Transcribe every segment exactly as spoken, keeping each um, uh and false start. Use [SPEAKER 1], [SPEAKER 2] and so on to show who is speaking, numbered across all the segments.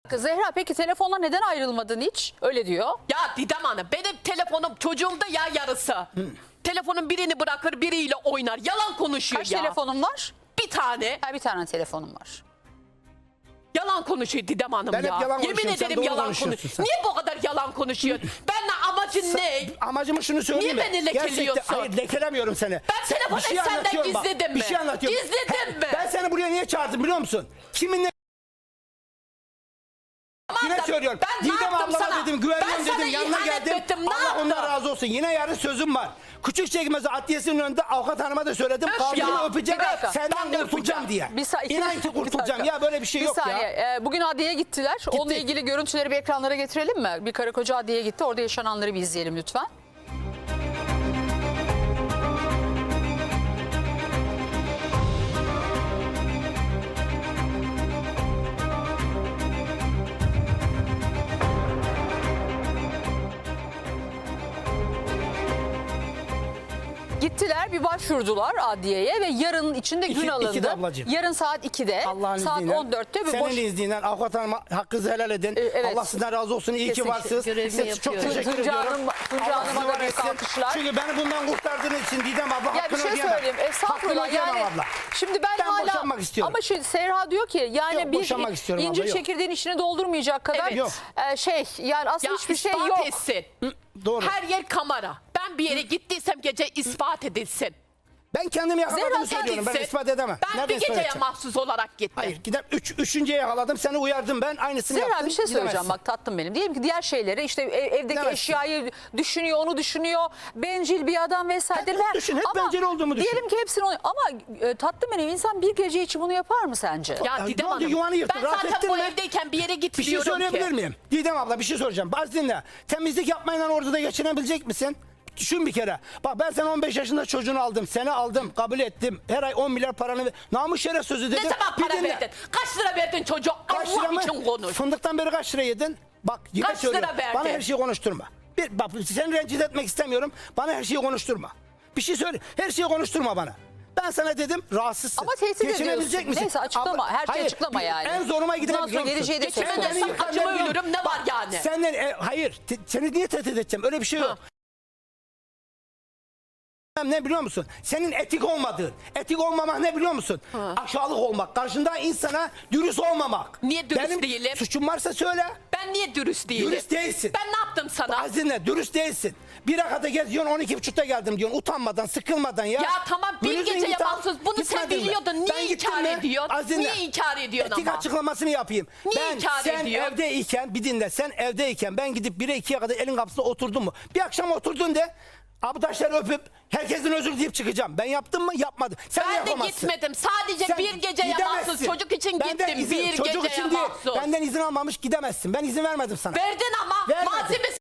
[SPEAKER 1] Zehra peki telefonla neden ayrılmadın hiç? Öyle diyor.
[SPEAKER 2] Ya Didem Hanım benim telefonum çocuğumda ya yarısı. Hı. Telefonun birini bırakır biriyle oynar. Yalan konuşuyor
[SPEAKER 1] Kaç
[SPEAKER 2] ya.
[SPEAKER 1] telefonun var?
[SPEAKER 2] Bir tane.
[SPEAKER 1] Ha, bir tane telefonum var.
[SPEAKER 2] Yalan konuşuyor Didem Hanım
[SPEAKER 3] Ben
[SPEAKER 2] ya.
[SPEAKER 3] hep yalan
[SPEAKER 2] Yemin
[SPEAKER 3] konuşuyorum, sen
[SPEAKER 2] ederim
[SPEAKER 3] doğru
[SPEAKER 2] yalan
[SPEAKER 3] konuşuyorsun
[SPEAKER 2] konuşuyor.
[SPEAKER 3] sen.
[SPEAKER 2] Niye bu kadar yalan konuşuyorsun? Benimle amacın ne?
[SPEAKER 3] Amacımı şunu söyleyeyim
[SPEAKER 2] Niye
[SPEAKER 3] mi?
[SPEAKER 2] beni lekeliyorsun?
[SPEAKER 3] Gerçekten, hayır lekelemiyorum seni.
[SPEAKER 2] Ben
[SPEAKER 3] Sen-
[SPEAKER 2] telefonu
[SPEAKER 3] bir şey
[SPEAKER 2] senden
[SPEAKER 3] anlatıyorum bak,
[SPEAKER 2] gizledim
[SPEAKER 3] Bir
[SPEAKER 2] mi?
[SPEAKER 3] şey anlatıyorum.
[SPEAKER 2] Gizledin
[SPEAKER 3] He,
[SPEAKER 2] mi?
[SPEAKER 3] Ben seni buraya niye çağırdım biliyor musun? Kiminle
[SPEAKER 2] Aman
[SPEAKER 3] Yine
[SPEAKER 2] da,
[SPEAKER 3] söylüyorum.
[SPEAKER 2] Ben ne
[SPEAKER 3] Didem
[SPEAKER 2] yaptım
[SPEAKER 3] ablama
[SPEAKER 2] sana?
[SPEAKER 3] dedim,
[SPEAKER 2] Ben
[SPEAKER 3] güveniyorum
[SPEAKER 2] sana
[SPEAKER 3] dedim, yanına
[SPEAKER 2] ihanet
[SPEAKER 3] geldim.
[SPEAKER 2] ettim, ne
[SPEAKER 3] Allah
[SPEAKER 2] yaptım?
[SPEAKER 3] ondan razı olsun. Yine yarın sözüm var. Küçükçekmece Adliyesi'nin önünde avukat hanıma da söyledim.
[SPEAKER 2] Öf
[SPEAKER 3] Kaldırımı
[SPEAKER 2] ya,
[SPEAKER 3] öpeceğim.
[SPEAKER 2] bir dakika. Ben
[SPEAKER 3] Senden
[SPEAKER 2] de
[SPEAKER 3] kurtulacağım
[SPEAKER 2] öpeceğim.
[SPEAKER 3] diye.
[SPEAKER 1] Bir sa- iki
[SPEAKER 3] İnan
[SPEAKER 1] dakika,
[SPEAKER 3] ki
[SPEAKER 1] bir
[SPEAKER 3] kurtulacağım.
[SPEAKER 1] dakika.
[SPEAKER 3] Ya böyle bir şey
[SPEAKER 1] Bir
[SPEAKER 3] yok
[SPEAKER 1] saniye.
[SPEAKER 3] ya.
[SPEAKER 1] Ee, bugün adliyeye gittiler. Onunla ilgili görüntüleri bir ekranlara getirelim mi? Bir karı koca adliyeye gitti. Orada yaşananları bir izleyelim lütfen. Gittiler bir başvurdular adliyeye ve yarın içinde gün
[SPEAKER 3] İki-
[SPEAKER 1] alındı.
[SPEAKER 3] ikide ablacığım.
[SPEAKER 1] Yarın saat ikide,
[SPEAKER 3] Allah'ın
[SPEAKER 1] saat
[SPEAKER 3] izniyle.
[SPEAKER 1] on dörtte bir
[SPEAKER 3] Senin
[SPEAKER 1] boş...
[SPEAKER 3] izniyle avukat hanıma hakkınızı helal edin.
[SPEAKER 1] Ee, evet.
[SPEAKER 3] Allah sizden razı olsun. İyi ki
[SPEAKER 1] Kesinlikle.
[SPEAKER 3] varsınız.
[SPEAKER 4] Görevimi
[SPEAKER 3] Size çok
[SPEAKER 4] yapıyorum.
[SPEAKER 3] teşekkür
[SPEAKER 1] Tunca
[SPEAKER 3] ediyorum.
[SPEAKER 1] Hanım- Tunca
[SPEAKER 3] Allah
[SPEAKER 1] Hanım'a
[SPEAKER 3] sizi
[SPEAKER 1] da büyük
[SPEAKER 3] var etsin.
[SPEAKER 1] alkışlar.
[SPEAKER 3] Çünkü beni bundan kurtardığın için Didem abla
[SPEAKER 1] Ya bir
[SPEAKER 3] hakkını
[SPEAKER 1] şey
[SPEAKER 3] ödeyemem.
[SPEAKER 1] söyleyeyim. Estağfurullah
[SPEAKER 3] Hakkını ödeyemem
[SPEAKER 1] yani.
[SPEAKER 3] abla.
[SPEAKER 1] Şimdi ben,
[SPEAKER 3] Ben
[SPEAKER 1] hala
[SPEAKER 3] boşanmak istiyorum.
[SPEAKER 1] Ama şu Serra diyor ki yani
[SPEAKER 3] Yok,
[SPEAKER 1] bir
[SPEAKER 3] boşanmak istiyorum
[SPEAKER 1] incir
[SPEAKER 3] abla, yok.
[SPEAKER 1] çekirdeğin içini doldurmayacak kadar
[SPEAKER 2] Evet.
[SPEAKER 3] Yok.
[SPEAKER 1] e, şey yani aslında
[SPEAKER 2] Ya
[SPEAKER 1] hiçbir şey
[SPEAKER 2] ispat
[SPEAKER 1] yok.
[SPEAKER 2] etsin.
[SPEAKER 3] Hı, doğru.
[SPEAKER 2] Her yer kamera. Ben bir yere gittiysem gece ispat edilsin.
[SPEAKER 3] Ben kendimi yakaladığımı
[SPEAKER 1] Zehra, sen
[SPEAKER 3] söylüyorum. Ben
[SPEAKER 2] Gitsin.
[SPEAKER 3] ispat edemem.
[SPEAKER 2] Ben
[SPEAKER 3] Nereden
[SPEAKER 2] bir
[SPEAKER 3] ispat
[SPEAKER 2] geceye
[SPEAKER 3] edeceğim?
[SPEAKER 2] mahsus olarak gittim.
[SPEAKER 3] Hayır gider. Üç, üçüncüye yakaladım. Seni uyardım ben. Aynısını
[SPEAKER 1] Zehra
[SPEAKER 3] yaptın.
[SPEAKER 1] bir şey söyleyeceğim
[SPEAKER 3] gidemezsin.
[SPEAKER 1] bak tatlım benim. Diyelim ki diğer şeyleri işte ev- evdeki
[SPEAKER 3] Gidemezsin.
[SPEAKER 1] eşyayı düşünüyor, onu düşünüyor. Bencil bir adam vesaire.
[SPEAKER 3] Hep
[SPEAKER 1] Ben-
[SPEAKER 3] düşün, hep
[SPEAKER 1] ama
[SPEAKER 3] bencil olduğumu düşün.
[SPEAKER 1] Diyelim ki hepsini onu- ama e, tatlım benim insan bir gece için bunu yapar mı sence?
[SPEAKER 2] Ya
[SPEAKER 3] Ya
[SPEAKER 2] Didem
[SPEAKER 3] ne oldu,
[SPEAKER 2] Hanım,
[SPEAKER 3] yuvanı yırttın,
[SPEAKER 2] ben
[SPEAKER 3] rahat
[SPEAKER 2] zaten
[SPEAKER 3] ettin
[SPEAKER 2] bu
[SPEAKER 3] mi?
[SPEAKER 2] evdeyken bir yere
[SPEAKER 3] Bir şey
[SPEAKER 2] gitmiyorum
[SPEAKER 3] söyleyebilir
[SPEAKER 2] ki.
[SPEAKER 3] miyim? Didem abla bir şey soracağım. Baz dinle. Temizlik yapmayla orada da geçinebilecek misin? Düşün bir kere. Bak ben sen on beş yaşında çocuğunu aldım. Seni aldım. Kabul ettim. Her ay on milyar paranı ver. Namus şeref sözü dedim.
[SPEAKER 2] Ne zaman
[SPEAKER 3] Bir
[SPEAKER 2] para
[SPEAKER 3] dinle.
[SPEAKER 2] verdin? Kaç lira verdin çocuğa?
[SPEAKER 3] Kaç lira
[SPEAKER 2] Allah
[SPEAKER 3] mı?
[SPEAKER 2] için konuş.
[SPEAKER 3] Fındıktan beri kaç lira yedin? Bak yine
[SPEAKER 2] Kaç
[SPEAKER 3] söylüyorum.
[SPEAKER 2] lira verdin?
[SPEAKER 3] Bana her şeyi konuşturma. Bir, bak seni rencide etmek istemiyorum. Bana her şeyi konuşturma. Bir şey söyle. Her şeyi konuşturma bana. Ben sana dedim rahatsızsın.
[SPEAKER 1] Ama tehdit
[SPEAKER 3] Geçinebilecek
[SPEAKER 1] ediyorsun.
[SPEAKER 3] misin?
[SPEAKER 1] Neyse, açıklama. Her şeyi açıklama
[SPEAKER 3] bir-
[SPEAKER 1] yani.
[SPEAKER 3] En zoruma giden
[SPEAKER 1] Bundan
[SPEAKER 3] biliyor
[SPEAKER 1] sonra
[SPEAKER 3] musun?
[SPEAKER 1] geleceği de
[SPEAKER 2] Geçinemezsem
[SPEAKER 1] söylüyorum.
[SPEAKER 3] Beni
[SPEAKER 2] acıma
[SPEAKER 3] yıkan
[SPEAKER 2] ölürüm, ne var yani?
[SPEAKER 3] Senden e, hayır te- seni niye tehdit edeceğim? Öyle bir şey yok.
[SPEAKER 2] Ha.
[SPEAKER 3] Ne biliyor musun? Senin etik olmadığın. Etik olmamak ne biliyor musun?
[SPEAKER 2] Ha.
[SPEAKER 3] Aşağılık olmak. Karşında insana dürüst olmamak.
[SPEAKER 2] Niye dürüst
[SPEAKER 3] Benim
[SPEAKER 2] değilim?
[SPEAKER 3] suçum varsa söyle.
[SPEAKER 2] Ben niye dürüst değilim?
[SPEAKER 3] Dürüst değilsin.
[SPEAKER 2] Ben ne yaptım sana?
[SPEAKER 3] Azine dürüst değilsin. Bir akada geziyorsun on iki buçukta geldim diyorsun. Utanmadan, sıkılmadan ya.
[SPEAKER 2] Ya tamam bir
[SPEAKER 3] Bluzun
[SPEAKER 2] geceye
[SPEAKER 3] git al.
[SPEAKER 2] mahsus. Bunu sen
[SPEAKER 3] Gitmedin mi?
[SPEAKER 2] biliyordun.
[SPEAKER 3] Ben
[SPEAKER 2] Niye
[SPEAKER 3] gittim
[SPEAKER 2] inkar
[SPEAKER 3] mi?
[SPEAKER 2] ediyorsun?
[SPEAKER 3] Azine,
[SPEAKER 2] Niye inkar ediyorsun
[SPEAKER 3] etik
[SPEAKER 2] ama?
[SPEAKER 3] açıklamasını yapayım.
[SPEAKER 2] Niye
[SPEAKER 3] ben,
[SPEAKER 2] inkar
[SPEAKER 3] sen
[SPEAKER 2] ediyorsun?
[SPEAKER 3] evdeyken bir dinle. Sen evdeyken ben gidip bire ikiye kadar elin kapısına oturdum mu? Bir akşam oturdun de. Abdaşları öpüp herkesin özür dileyip çıkacağım. Ben yaptım mı? Yapmadım. Sen
[SPEAKER 2] Ben de
[SPEAKER 3] yapamazsın.
[SPEAKER 2] gitmedim. Sadece
[SPEAKER 3] Sen
[SPEAKER 2] bir geceye
[SPEAKER 3] gidemezsin.
[SPEAKER 2] mahsus. Çocuk için
[SPEAKER 3] Benden
[SPEAKER 2] gittim.
[SPEAKER 3] izin-
[SPEAKER 2] Bir
[SPEAKER 3] çocuk
[SPEAKER 2] geceye
[SPEAKER 3] için değil.
[SPEAKER 2] mahsus.
[SPEAKER 3] Benden izin almamış gidemezsin. Ben izin vermedim sana.
[SPEAKER 2] Verdin ama
[SPEAKER 3] Vermedim.
[SPEAKER 2] malzemesi.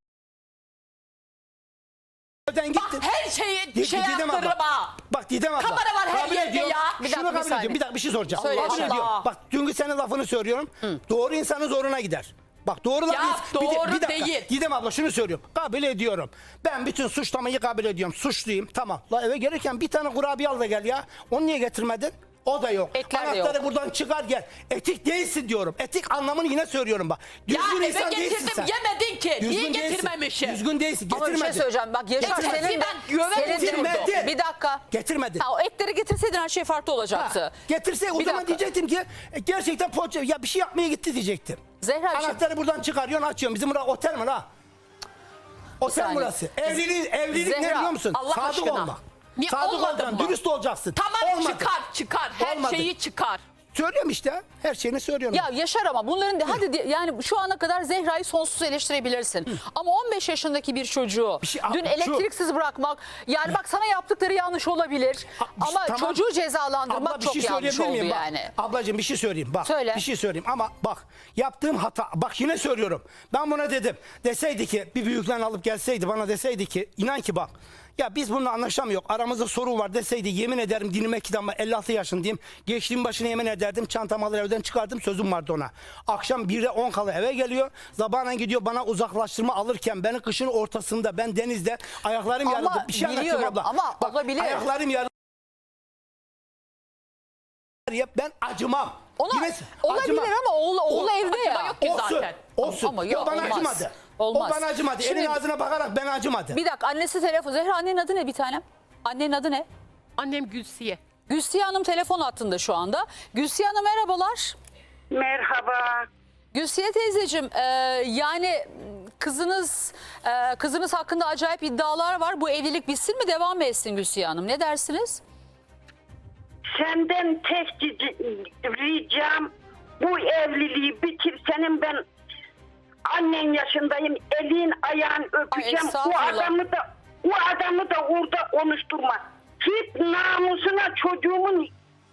[SPEAKER 3] Evden
[SPEAKER 2] Bak
[SPEAKER 3] gittin.
[SPEAKER 2] her şeyi
[SPEAKER 3] Di-
[SPEAKER 2] şey
[SPEAKER 3] Didem abla.
[SPEAKER 2] yaptırırım ha.
[SPEAKER 3] Bak Didem abla.
[SPEAKER 2] Kamera var her
[SPEAKER 3] kabul
[SPEAKER 2] yerde
[SPEAKER 3] ediyorum.
[SPEAKER 2] ya.
[SPEAKER 1] Bir
[SPEAKER 3] Şunu
[SPEAKER 1] dakika, bir
[SPEAKER 3] kabul
[SPEAKER 1] saniye.
[SPEAKER 3] ediyorum. Bir dakika bir şey soracağım.
[SPEAKER 1] Söyle,
[SPEAKER 3] Kabul
[SPEAKER 1] Allah.
[SPEAKER 3] ediyorum. Bak dünkü senin lafını söylüyorum. Doğru insanın zoruna gider. Bak doğru laf
[SPEAKER 2] Ya,
[SPEAKER 3] bir de-
[SPEAKER 2] doğru
[SPEAKER 3] bir dakika.
[SPEAKER 2] değil.
[SPEAKER 3] Didem abla şunu söylüyorum. Kabul ediyorum. Ben bütün suçlamayı kabul ediyorum. Suçluyum. Tamam. La eve gelirken bir tane kurabiye al da gel ya. Onu niye getirmedin? O da yok.
[SPEAKER 1] Etler de
[SPEAKER 3] Anahtarı
[SPEAKER 1] yok.
[SPEAKER 3] buradan çıkar gel. Etik değilsin diyorum. Etik anlamını yine söylüyorum bak.
[SPEAKER 2] Ya
[SPEAKER 3] Düzgün
[SPEAKER 2] eve
[SPEAKER 3] insan değilsin
[SPEAKER 2] getirdim
[SPEAKER 3] sen.
[SPEAKER 2] yemedin ki.
[SPEAKER 3] Düzgün
[SPEAKER 2] Niye
[SPEAKER 3] değilsin.
[SPEAKER 2] getirmemişim?
[SPEAKER 3] Düzgün değilsin.
[SPEAKER 1] Ama bir
[SPEAKER 3] Getirmedin.
[SPEAKER 1] şey söyleyeceğim. Bak Yaşar
[SPEAKER 2] Getirsin,
[SPEAKER 1] senin de...
[SPEAKER 2] ben güven
[SPEAKER 1] senin de-
[SPEAKER 3] getirmedin.
[SPEAKER 1] Bir dakika.
[SPEAKER 3] Getirmedin.
[SPEAKER 1] Ha, o etleri getirseydin her şey farklı olacaktı.
[SPEAKER 3] Ha, getirse o
[SPEAKER 1] Bir
[SPEAKER 3] zaman
[SPEAKER 1] dakika.
[SPEAKER 3] diyecektim ki e, gerçekten poğaça ya bir şey yapmaya gitti diyecektim.
[SPEAKER 1] Zehra bir şey-
[SPEAKER 3] Anahtarı buradan çıkarıyorsun açıyorsun. Bizim burası otel mi la? Otel
[SPEAKER 1] saniye.
[SPEAKER 3] burası. Evlilik, evlilik ne
[SPEAKER 1] Zehra,
[SPEAKER 3] biliyor musun?
[SPEAKER 2] Allah
[SPEAKER 3] Sadık
[SPEAKER 2] aşkına.
[SPEAKER 3] olmak.
[SPEAKER 2] Niye
[SPEAKER 3] Sadık
[SPEAKER 2] olmadın
[SPEAKER 3] olacaksın,
[SPEAKER 2] mı?
[SPEAKER 3] dürüst olacaksın.
[SPEAKER 2] Tamam
[SPEAKER 3] Olmadı.
[SPEAKER 2] çıkar çıkar. Her
[SPEAKER 3] Olmadı.
[SPEAKER 2] şeyi çıkar.
[SPEAKER 3] Söylüyorum işte. Her şeyini söylüyorum.
[SPEAKER 1] Ya Yaşar ama bunların de, hadi de- yani şu ana kadar Zehra'yı sonsuz eleştirebilirsin. Ama on beş yaşındaki bir çocuğu
[SPEAKER 3] Bir şey-
[SPEAKER 1] dün
[SPEAKER 3] şu-
[SPEAKER 1] elektriksiz bırakmak yani bak sana yaptıkları yanlış olabilir.
[SPEAKER 3] Ha, bir şey-
[SPEAKER 1] Ama
[SPEAKER 3] tamam.
[SPEAKER 1] çocuğu cezalandırmak
[SPEAKER 3] Abla, bir
[SPEAKER 1] çok
[SPEAKER 3] şey
[SPEAKER 1] yanlış
[SPEAKER 3] söyleyebilir
[SPEAKER 1] oldu
[SPEAKER 3] miyim? Bak,
[SPEAKER 1] yani.
[SPEAKER 3] ablacığım bir şey söyleyeyim. Bak,
[SPEAKER 1] Söyle.
[SPEAKER 3] Bir şey söyleyeyim ama bak yaptığım hata. Bak yine söylüyorum. Ben buna dedim. Deseydi ki bir büyüklerini alıp gelseydi bana deseydi ki inan ki bak. Ya biz bununla anlaşamıyor. Aramızda sorun var deseydi yemin ederim dinime kitabıma elli altı yaşındayım. Geçtiğim başına yemin ederdim. Çantamı alır evden çıkardım. Sözüm vardı ona. Akşam birde on kala eve geliyor. Sabahleyin gidiyor bana uzaklaştırma alırken beni kışın ortasında ben denizde ayaklarım
[SPEAKER 1] Ama
[SPEAKER 3] yarıldı. Bir şey anlatıyorum
[SPEAKER 1] biliyorum
[SPEAKER 3] abla.
[SPEAKER 1] ama
[SPEAKER 3] Bak,
[SPEAKER 1] olabilir.
[SPEAKER 3] ayaklarım yarıldı. Ben acımam.
[SPEAKER 1] Ona
[SPEAKER 3] Yine
[SPEAKER 1] olabilir
[SPEAKER 3] acıma.
[SPEAKER 1] ama oğlu, oğlu
[SPEAKER 3] O-
[SPEAKER 1] evde
[SPEAKER 2] acıma
[SPEAKER 1] ya.
[SPEAKER 2] yok ki
[SPEAKER 3] Olsun.
[SPEAKER 2] zaten.
[SPEAKER 3] Olsun.
[SPEAKER 1] Ama
[SPEAKER 3] Yok,
[SPEAKER 1] yok,
[SPEAKER 3] bana
[SPEAKER 1] olmaz.
[SPEAKER 3] acımadı.
[SPEAKER 1] Olmaz.
[SPEAKER 3] O bana acımadı.
[SPEAKER 1] Şimdi-
[SPEAKER 3] Elin ağzına bakarak bana acımadı.
[SPEAKER 1] Bir dakika, annesi telefon. Zehra, annenin adı ne bir tanem? Annenin adı ne?
[SPEAKER 2] Annem Gülsiye.
[SPEAKER 1] Gülsiye Hanım telefon hattında şu anda. Gülsiye Hanım merhabalar.
[SPEAKER 4] Merhaba.
[SPEAKER 1] Gülsiye teyzeciğim, e, yani kızınız e, kızınız hakkında acayip iddialar var. Bu evlilik bitsin mi, devam mı etsin Gülsiye Hanım? Ne dersiniz?
[SPEAKER 4] Senden tek cici- ricam bu evliliği bitir. Senin ben annen yaşındayım. Elin ayağın öpeceğim. O
[SPEAKER 1] estağfurullah.
[SPEAKER 4] adamı da o adamı da orada konuşturma. Git namusuna çocuğumun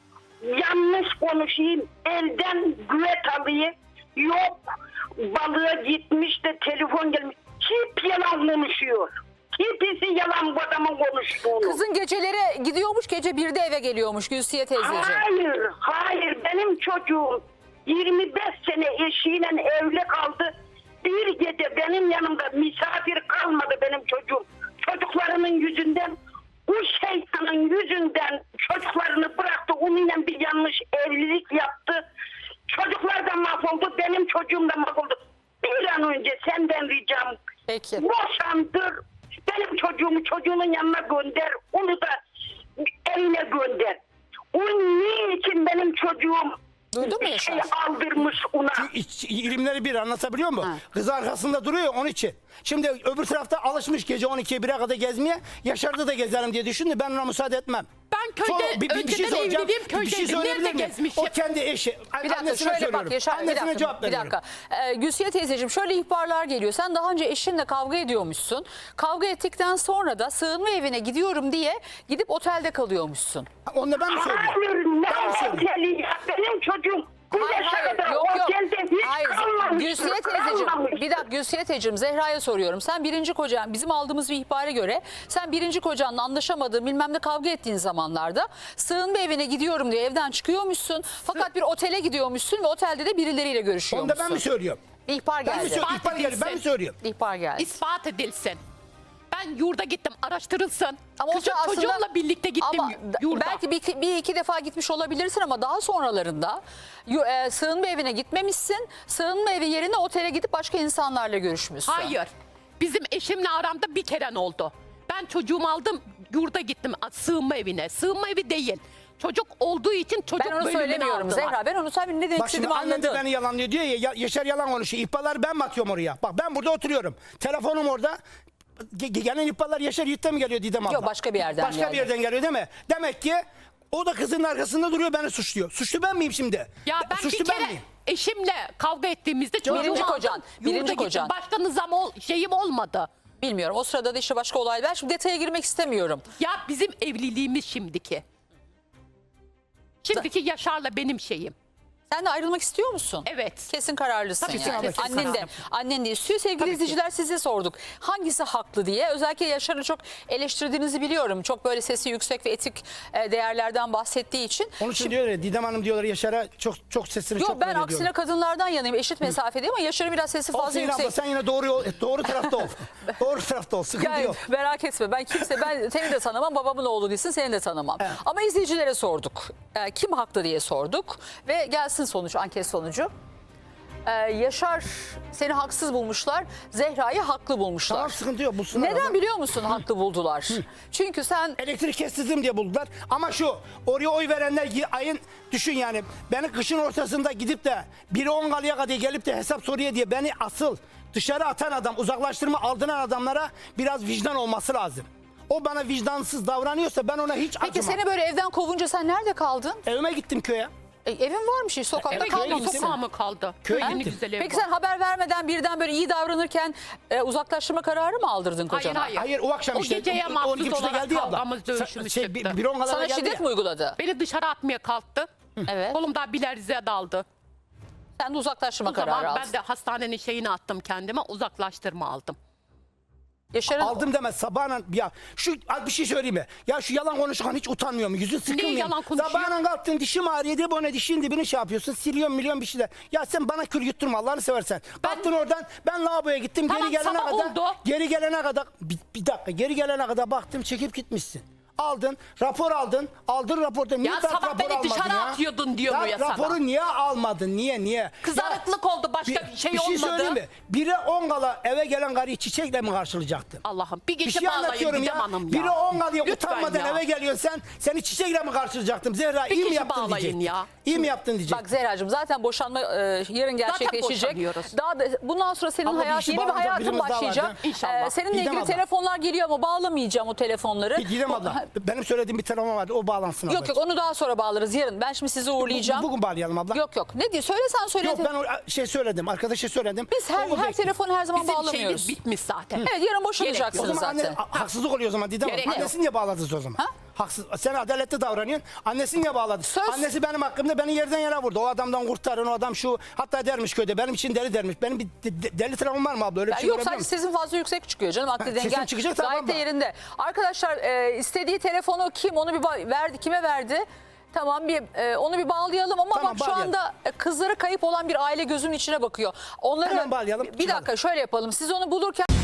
[SPEAKER 4] yanlış konuşayım. Elden güvet alayım. Yok balığa gitmiş de telefon gelmiş. Hep yalan konuşuyor. Hepsi yalan bu adamın konuştuğunu.
[SPEAKER 1] Kızın geceleri gidiyormuş, gece birde eve geliyormuş Gülsiye teyzeciğim.
[SPEAKER 4] Hayır, hayır. Benim çocuğum yirmi beş sene eşiyle evli kaldı. Bir gece benim yanımda misafir kalmadı benim çocuğum. Çocuklarının yüzünden, bu şeytanın yüzünden çocuklarını bıraktı. Onunla bir yanlış evlilik yaptı. Çocuklar da mahvoldu, benim çocuğum da mahvoldu. Bir an önce senden ricam.
[SPEAKER 1] Peki.
[SPEAKER 4] Boşandır. Benim çocuğumu çocuğunun yanına gönder. Onu da evine gönder. O niçin benim çocuğum
[SPEAKER 1] Duydun mu
[SPEAKER 4] şey
[SPEAKER 1] Yaşar?
[SPEAKER 4] aldırmış ona?
[SPEAKER 3] İç- ilimleri bir anlatabiliyor muyum?
[SPEAKER 1] Ha.
[SPEAKER 3] Kız arkasında duruyor onun için. Şimdi öbür tarafta alışmış gece on ikiye bire kadar gezmeye. Yaşar'da da gezerim diye düşündü. Ben ona müsaade etmem.
[SPEAKER 2] Ben köyde önceden
[SPEAKER 3] soracağım.
[SPEAKER 2] evliliğim
[SPEAKER 3] Bir şey
[SPEAKER 2] köydeydim.
[SPEAKER 3] söyleyebilir
[SPEAKER 2] Nerede
[SPEAKER 3] miyim?
[SPEAKER 2] gezmişim?
[SPEAKER 3] O kendi eşi.
[SPEAKER 1] Bir dakika
[SPEAKER 3] Annesine
[SPEAKER 1] şöyle
[SPEAKER 3] söylüyorum.
[SPEAKER 1] bak Yaşar, bir
[SPEAKER 3] Annesine
[SPEAKER 1] dakika,
[SPEAKER 3] cevap
[SPEAKER 1] bir
[SPEAKER 3] veriyorum.
[SPEAKER 1] dakika. Ee, Gülsiye teyzeciğim, şöyle ihbarlar geliyor. Sen daha önce eşinle kavga ediyormuşsun. Kavga ettikten sonra da sığınma evine gidiyorum diye gidip otelde kalıyormuşsun.
[SPEAKER 3] Onu da ben mi söylüyorum?
[SPEAKER 4] Hayır, ne
[SPEAKER 3] Ben mi söylüyorum?
[SPEAKER 4] oteli ya? Benim çocuğum bu
[SPEAKER 1] Hayır,
[SPEAKER 4] yaşa
[SPEAKER 1] hayır,
[SPEAKER 4] kadar
[SPEAKER 1] yok yok.
[SPEAKER 4] otelde hiç
[SPEAKER 1] Hayır,
[SPEAKER 4] kalmamıştır.
[SPEAKER 1] Gülsiye teyzeciğim,
[SPEAKER 4] kalmamıştır.
[SPEAKER 1] bir dakika Gülsiye teyzeciğim, Zehra'ya soruyorum. Sen birinci kocan, bizim aldığımız bir ihbara göre sen birinci kocanla anlaşamadığın, bilmem ne kavga ettiğin zamanlarda sığınma evine gidiyorum diye evden çıkıyormuşsun. Fakat bir otele gidiyormuşsun ve otelde de birileriyle
[SPEAKER 3] Onu da
[SPEAKER 1] görüşüyormuşsun.
[SPEAKER 3] ben mi söylüyorum?
[SPEAKER 1] Bir ihbar
[SPEAKER 3] Ben mi
[SPEAKER 1] geldi.
[SPEAKER 3] söylüyorum? İhbar geldi. Ben mi söylüyorum?
[SPEAKER 1] İhbar geldi.
[SPEAKER 2] İspat edilsin. Ben yurda gittim, araştırılsın.
[SPEAKER 1] Ama o
[SPEAKER 2] Küçük
[SPEAKER 1] da aslında-
[SPEAKER 2] çocuğumla birlikte gittim
[SPEAKER 1] ama
[SPEAKER 2] yurda.
[SPEAKER 1] belki bir, bir iki defa gitmiş olabilirsin ama daha sonralarında yu- e, sığınma evine gitmemişsin. Sığınma evi yerine otele gidip başka insanlarla görüşmüşsün.
[SPEAKER 2] Hayır. Bizim eşimle aramda bir kere oldu. Ben çocuğumu aldım, yurda gittim sığınma evine. Sığınma evi değil. Çocuk olduğu için çocuk
[SPEAKER 1] Ben onu
[SPEAKER 2] bölümüne
[SPEAKER 1] söylemiyorum
[SPEAKER 2] aldılar.
[SPEAKER 1] Zehra. Ben onu sen ne demek
[SPEAKER 3] Bak şimdi
[SPEAKER 1] istediğimi
[SPEAKER 3] annem de
[SPEAKER 1] anladın.
[SPEAKER 3] beni yalanlıyor diyor ya, ya Yaşar yalan konuşuyor. İhbarları ben mi atıyorum oraya? Bak ben burada oturuyorum. Telefonum orada. Ge- ge- Gelen ihbarlar Yaşar Yiğit'ten mi geliyor Didem abla?
[SPEAKER 1] Yok, başka bir yerden
[SPEAKER 3] Başka
[SPEAKER 1] geldi.
[SPEAKER 3] bir yerden geliyor değil mi? Demek ki o da kızın arkasında duruyor, beni suçluyor. Suçlu ben miyim şimdi?
[SPEAKER 2] Ya ben
[SPEAKER 3] Suçlu
[SPEAKER 2] bir kere
[SPEAKER 3] miyim?
[SPEAKER 2] eşimle kavga ettiğimizde çocuğumu
[SPEAKER 1] Birinci
[SPEAKER 2] aldım,
[SPEAKER 1] kocan,
[SPEAKER 2] yurda
[SPEAKER 1] birinci
[SPEAKER 2] gittim.
[SPEAKER 1] kocan.
[SPEAKER 2] Başka nizam ol, şeyim olmadı.
[SPEAKER 1] Bilmiyorum. O sırada da işte başka olaylar. Ben şimdi detaya girmek istemiyorum.
[SPEAKER 2] Ya bizim evliliğimiz şimdiki. Şimdiki Yaşar'la benim şeyim.
[SPEAKER 1] Sen de ayrılmak istiyor musun?
[SPEAKER 2] Evet.
[SPEAKER 1] Kesin kararlısın
[SPEAKER 2] Tabii ki,
[SPEAKER 1] yani.
[SPEAKER 2] kesin
[SPEAKER 1] Annen de,
[SPEAKER 2] kararlıyım.
[SPEAKER 1] annen de istiyor. Sevgili
[SPEAKER 2] Tabii ki.
[SPEAKER 1] izleyiciler, size sorduk. Hangisi haklı diye. Özellikle Yaşar'ı çok eleştirdiğinizi biliyorum. Çok böyle sesi yüksek ve etik e, değerlerden bahsettiği için.
[SPEAKER 3] Onun için diyor ya Didem Hanım diyorlar Yaşar'a çok çok sesini
[SPEAKER 1] Yok,
[SPEAKER 3] çok
[SPEAKER 1] ben
[SPEAKER 3] böyle
[SPEAKER 1] aksine
[SPEAKER 3] diyorlar.
[SPEAKER 1] kadınlardan yanayım. Eşit mesafedeyim ama Yaşar'ın biraz sesi fazla
[SPEAKER 3] Olsun yine
[SPEAKER 1] yüksek.
[SPEAKER 3] abla, sen yine doğru yol- doğru tarafta ol. doğru tarafta ol. Sıkıntı
[SPEAKER 1] Yani
[SPEAKER 3] yok.
[SPEAKER 1] merak etme, ben kimse ben seni de tanımam, babamın oğlu değilsin, seni de tanımam. Ama izleyicilere sorduk. Ee, kim haklı diye sorduk ve gelsin sonuç, anket sonucu. Ee, Yaşar seni haksız bulmuşlar, Zehra'yı haklı bulmuşlar.
[SPEAKER 3] Tamam, sıkıntı yok. Bulsunlar
[SPEAKER 1] Neden
[SPEAKER 3] abla.
[SPEAKER 1] biliyor musun haklı buldular? Çünkü sen
[SPEAKER 3] Elektrik kestirdim diye buldular. Ama şu oraya oy verenler y- ayın düşün yani beni kışın ortasında gidip de biri on kalıya kadar gelip de hesap soruyor diye beni asıl dışarı atan adam, uzaklaştırma aldıran adamlara biraz vicdan olması lazım. O bana vicdansız davranıyorsa ben ona hiç
[SPEAKER 1] peki
[SPEAKER 3] acımam.
[SPEAKER 1] seni böyle evden kovunca sen nerede kaldın?
[SPEAKER 3] Evime gittim köye.
[SPEAKER 1] E, evin varmış, hiç sokakta
[SPEAKER 2] Eve
[SPEAKER 3] kalmamışsın.
[SPEAKER 2] gittim,
[SPEAKER 1] kalmamışsın.
[SPEAKER 2] sokağa mı kaldı?
[SPEAKER 3] Köye
[SPEAKER 2] Yeni
[SPEAKER 3] gittim.
[SPEAKER 2] güzel ev
[SPEAKER 1] Peki
[SPEAKER 2] var.
[SPEAKER 1] sen haber vermeden birden böyle iyi davranırken e, uzaklaştırma kararı mı aldırdın
[SPEAKER 2] Hayır
[SPEAKER 1] kocana?
[SPEAKER 2] hayır.
[SPEAKER 3] Hayır o akşam
[SPEAKER 2] O
[SPEAKER 3] işte
[SPEAKER 2] geceye
[SPEAKER 3] on
[SPEAKER 2] mahsus
[SPEAKER 3] iki buçukta
[SPEAKER 2] olarak
[SPEAKER 3] geldi ya abla.
[SPEAKER 2] kavgamız,
[SPEAKER 3] Sa-
[SPEAKER 2] dövüşümüz
[SPEAKER 3] şey, bir,
[SPEAKER 2] çıktı.
[SPEAKER 3] bir on kalıya
[SPEAKER 1] Sana
[SPEAKER 3] geldi
[SPEAKER 1] şiddet
[SPEAKER 3] ya.
[SPEAKER 1] mi uyguladı?
[SPEAKER 2] Beni dışarı atmaya kalktı.
[SPEAKER 1] Evet.
[SPEAKER 2] Kolumda bilerziğe daldı.
[SPEAKER 1] Sen de uzaklaştırma
[SPEAKER 2] O
[SPEAKER 1] kararı
[SPEAKER 2] zaman
[SPEAKER 1] aldın.
[SPEAKER 2] ben de hastanenin şeyini attım kendime, uzaklaştırma aldım.
[SPEAKER 1] Yaşar'ın
[SPEAKER 3] Aldım demez sabahla ya şu bir şey söyleyeyim mi? Ya şu yalan konuşan hiç utanmıyor mu? Yüzün sıkılmıyor mu?
[SPEAKER 2] yalan konuşuyor?
[SPEAKER 3] Sabahla kalktın dişim ağrıyor diye bana dişin dibini şey yapıyorsun. Siliyorsun milyon bir şeyler. Ya sen bana kül yutturma Allah'ını seversen. Kalktın oradan ben lavaboya gittim
[SPEAKER 2] Tamam,
[SPEAKER 3] geri gelene
[SPEAKER 2] sabah
[SPEAKER 3] kadar.
[SPEAKER 2] oldu.
[SPEAKER 3] Geri gelene kadar bir, bir dakika geri gelene kadar baktım çekip gitmişsin. Aldın, rapor aldın. Aldın raporda. Niye
[SPEAKER 2] Ya
[SPEAKER 3] tak
[SPEAKER 2] sabah
[SPEAKER 3] rapor
[SPEAKER 2] beni
[SPEAKER 3] almadın
[SPEAKER 2] dışarı
[SPEAKER 3] ya?
[SPEAKER 2] atıyordun diyor mu ya sana?
[SPEAKER 3] Raporu niye almadın? Niye niye?
[SPEAKER 2] Kızarıklık oldu, başka bir şey
[SPEAKER 3] bir şey
[SPEAKER 2] olmadı.
[SPEAKER 3] söyleyeyim mi? Bire on kala eve gelen karıyı çiçekle mi karşılayacaktın?
[SPEAKER 2] Allah'ım bir
[SPEAKER 3] Bir
[SPEAKER 2] gece
[SPEAKER 3] şey
[SPEAKER 2] bağlayın
[SPEAKER 3] anlatıyorum
[SPEAKER 2] Didem
[SPEAKER 3] ya.
[SPEAKER 2] Hanım ya.
[SPEAKER 3] Biri on kalıyor
[SPEAKER 2] Lütfen
[SPEAKER 3] utanmadan
[SPEAKER 2] ya.
[SPEAKER 3] eve geliyorsun sen. Seni çiçekle mi karşılayacaktım? Zehra
[SPEAKER 2] Bir
[SPEAKER 3] iyi mi
[SPEAKER 2] kişi
[SPEAKER 3] yaptın
[SPEAKER 2] bağlayın
[SPEAKER 3] diyecektin.
[SPEAKER 2] ya.
[SPEAKER 3] İyi mi yaptın diyecektin.
[SPEAKER 1] Bak Zehra'cığım zaten boşanma e, yarın gerçekleşecek.
[SPEAKER 2] boşanıyoruz.
[SPEAKER 1] Daha da bundan sonra senin
[SPEAKER 3] Ama bir
[SPEAKER 1] hayat
[SPEAKER 3] işi
[SPEAKER 1] yeni bir
[SPEAKER 3] bağlanacak
[SPEAKER 1] hayatın
[SPEAKER 3] birimiz daha var,
[SPEAKER 1] başlayacak.
[SPEAKER 3] değil mi?
[SPEAKER 2] İnşallah.
[SPEAKER 1] Ee, seninle
[SPEAKER 3] Didem
[SPEAKER 1] ilgili
[SPEAKER 3] abla.
[SPEAKER 1] telefonlar geliyor ama bağlamayacağım o telefonları.
[SPEAKER 3] Didem
[SPEAKER 1] O-
[SPEAKER 3] abla benim söylediğim bir telefon vardı o bağlansın
[SPEAKER 1] Yok
[SPEAKER 3] ablacığım.
[SPEAKER 1] yok onu daha sonra bağlarız yarın. Ben şimdi sizi uğurlayacağım.
[SPEAKER 3] Bugün bağlayalım abla.
[SPEAKER 1] Yok yok. Ne diyor? Söylesen söyle.
[SPEAKER 3] Yok ben o şey söyledim arkadaşa söyledim.
[SPEAKER 1] Biz her,
[SPEAKER 3] O- o
[SPEAKER 1] her
[SPEAKER 3] bekliyor.
[SPEAKER 1] telefonu her zaman
[SPEAKER 2] Bizim
[SPEAKER 1] bağlamıyoruz.
[SPEAKER 2] şeyimiz bitmiş zaten.
[SPEAKER 1] Evet yarın boşanacaksınız
[SPEAKER 3] O zaman anne,
[SPEAKER 1] zaten.
[SPEAKER 3] a- haksızlık oluyor o zaman Didem
[SPEAKER 2] Gerek
[SPEAKER 3] Hanım.
[SPEAKER 2] yok.
[SPEAKER 3] Annesi niye bağladınız o zaman?
[SPEAKER 1] Ha?
[SPEAKER 3] Haksız, sen adaletli davranıyorsun. Annesi niye bağladı?
[SPEAKER 1] Söz-
[SPEAKER 3] Annesi benim hakkımda beni yerden yere vurdu. O adamdan kurtarın o adam şu. Hatta dermiş köyde benim için deli dermiş. Benim bir de- de- deli travmam var mı abla? Öyle bir
[SPEAKER 1] Ya
[SPEAKER 3] şey
[SPEAKER 1] yok
[SPEAKER 3] görebiliyor
[SPEAKER 1] sadece
[SPEAKER 3] musun?
[SPEAKER 1] sesin fazla yüksek çıkıyor canım. Aklı
[SPEAKER 3] Ha, sesim
[SPEAKER 1] dengen
[SPEAKER 3] çıkacak, tamam
[SPEAKER 1] gayet de
[SPEAKER 3] mı?
[SPEAKER 1] yerinde. Arkadaşlar e, istediği telefonu kim onu bir ba- verdi kime verdi? Tamam bir e, onu bir bağlayalım ama
[SPEAKER 3] Tamam,
[SPEAKER 1] bak şu
[SPEAKER 3] bağlayalım.
[SPEAKER 1] anda e, kızları kayıp olan bir aile gözünün içine bakıyor. Onları
[SPEAKER 3] Hemen bağlayalım.
[SPEAKER 1] Bir dakika şöyle yapalım. Siz onu bulurken